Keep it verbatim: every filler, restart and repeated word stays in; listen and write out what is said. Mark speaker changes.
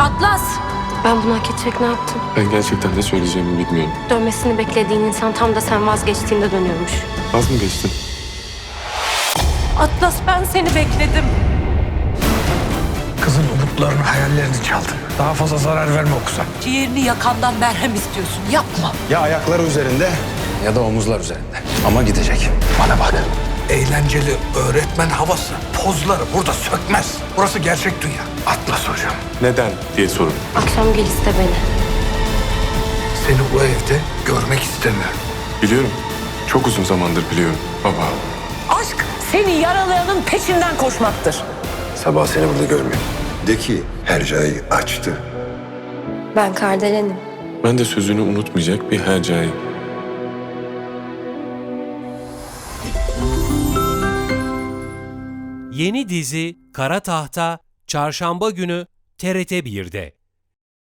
Speaker 1: Atlas! Ben bunu hak edecek ne yaptım?
Speaker 2: Ben gerçekten ne söyleyeceğimi bilmiyorum.
Speaker 1: Dönmesini beklediğin insan tam da sen vazgeçtiğinde dönüyormuş.
Speaker 2: Az mı geçtin?
Speaker 1: Atlas, ben seni bekledim.
Speaker 3: Kızın umutlarını, hayallerini çaldın. Daha fazla zarar verme o kıza.
Speaker 4: Ciğerini yakandan merhem istiyorsun. Yapma.
Speaker 5: Ya ayakları üzerinde ya da omuzlar üzerinde. Ama gidecek. Bana bak.
Speaker 3: Eğlenceli öğretmen havası, pozları burada sökmez. Burası gerçek dünya. Atlas hocam.
Speaker 2: Neden diye sorun.
Speaker 1: Akşam gel iste beni.
Speaker 3: Seni bu evde görmek istemiyorum.
Speaker 2: Biliyorum. Çok uzun zamandır biliyorum baba.
Speaker 4: Aşk seni yaralayanın peşinden koşmaktır.
Speaker 5: Sabah seni burada görmüyorum.
Speaker 6: De ki Hercai açtı.
Speaker 1: Ben Kardelenim.
Speaker 2: Ben de sözünü unutmayacak bir Hercai.
Speaker 7: Yeni dizi Kara Tahta Çarşamba günü T R T bir'de.